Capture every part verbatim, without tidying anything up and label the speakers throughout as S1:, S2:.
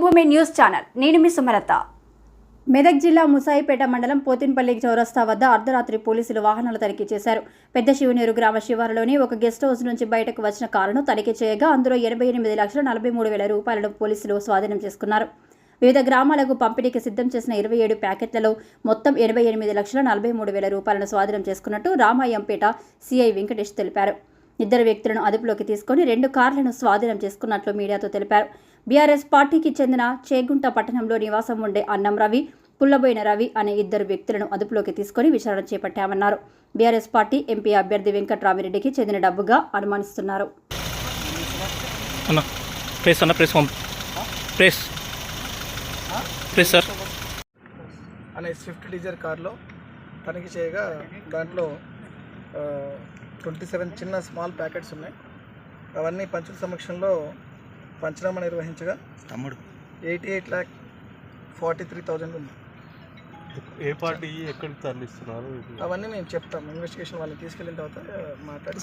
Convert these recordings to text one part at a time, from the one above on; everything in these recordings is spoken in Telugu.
S1: మాతృభూమి న్యూస్ ఛానల్ నేను మీ సుమలత. మెదక్ జిల్లా ముసాయిపేట మండలం పోతిన్పల్లి చౌరస్తా వద్ద అర్ధరాత్రి పోలీసులు వాహనాలు తనిఖీ చేశారు. పెద్ద శివనూరు గ్రామ శివారులోని ఒక గెస్ట్ హౌస్ నుంచి బయటకు వచ్చిన కారును తనిఖీ చేయగా అందులో ఎనభై ఎనిమిది లక్షల నలభై మూడు వేల రూపాయలను పోలీసులు స్వాధీనం చేసుకున్నారు. వివిధ గ్రామాలకు పంపిణీకి సిద్ధం చేసిన ఇరవై ఏడు ప్యాకెట్లలో మొత్తం ఎనభై ఎనిమిది లక్షల నలభై మూడు వేల రూపాయలను స్వాధీనం చేసుకున్నట్టు రామాయంపేట సిఐ వెంకటేష్ తెలిపారు. ఇద్దరు వ్యక్తులను అదుపులోకి తీసుకుని రెండు కార్లను స్వాధీనం చేసుకున్నట్లు మీడియాతో తెలిపారు. బీఆర్ఎస్ పార్టీకి చెందిన చేగుంట పట్టణంలో నివాసం ఉండే అన్నం రవి, పుల్లబోయిన రవి అనే ఇద్దరు వ్యక్తులను అదుపులోకి తీసుకుని విచారణ చేపట్టామన్నారు. బీఆర్ఎస్ పార్టీ ఎంపీ అభ్యర్థి వెంకట్రామిరెడ్డికి చెందిన డబ్బుగా అనుమానిస్తున్నారు.
S2: అనే స్విఫ్ట్ డిజైర్ కార్లో తనిఖీ చేయగా దాంట్లో ట్వంటీ సెవెన్ చిన్న స్మాల్ ప్యాకెట్స్ ఉన్నాయి. అవన్నీ పంచుల సమక్షంలో పంచనామా నిర్వహించగా తమ్ముడు eighty eight lakh forty three thousand ఉంది.
S3: ఏ పార్టీ ఎక్కడికి తరలిస్తున్నారు
S2: అవన్నీ మేము చెప్తాం. ఇన్వెస్టిగేషన్ వాళ్ళని తీసుకెళ్ళిన తర్వాత మాట్లాడి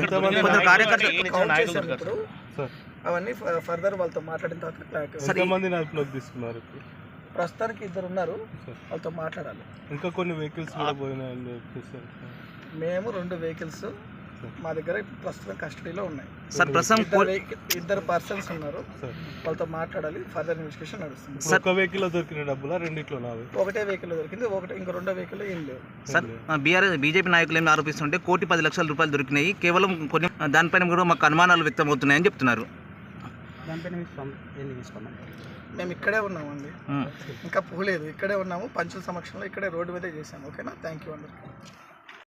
S2: ఇప్పుడు అవన్నీ ఫర్దర్ వాళ్ళతో మాట్లాడిన తర్వాత
S3: ఎంతమందిని అదుపులోకి తీసుకున్నారు?
S2: ప్రస్తుతానికి ఇద్దరు ఉన్నారు, వాళ్ళతో మాట్లాడాలి.
S3: ఇంకా కొన్ని వెహికల్స్ కూడా పోయినాయి.
S2: మేము రెండు వెహికల్స్ మా దగ్గర ప్రస్తుతం కస్టడీలో ఉన్నాయి. ఇద్దరు పర్సన్స్ ఉన్నారు, వాళ్ళతో మాట్లాడాలి. ఫర్దర్ ఇన్వెస్టిగేషన్ నడుస్తుంది.
S3: ఒక వెహికల్ దొరికిన డబ్బులా రెండిట్లో?
S2: ఒకటే వెహికల్ దొరికింది, ఒకటి ఇంకా రెండో వెహికల్ ఏం లేవు.
S4: సార్, బీఆర్ఎస్ బీజేపీ నాయకులు ఏమి ఆరోపిస్తుంటే కోటి పది లక్షల రూపాయలు దొరికినాయి, కేవలం కొన్ని దానిపైన కూడా మాకు అనుమానాలు వ్యక్తం అవుతున్నాయని చెప్తున్నారు.
S2: మేము ఇక్కడే ఉన్నామండి, ఇంకా పోలేదు. ఇక్కడే ఉన్నాము, పంచుల సమక్షంలో ఇక్కడే రోడ్డు మీదే చేసాము. ఓకేనా, థ్యాంక్ యూ అందరికీ.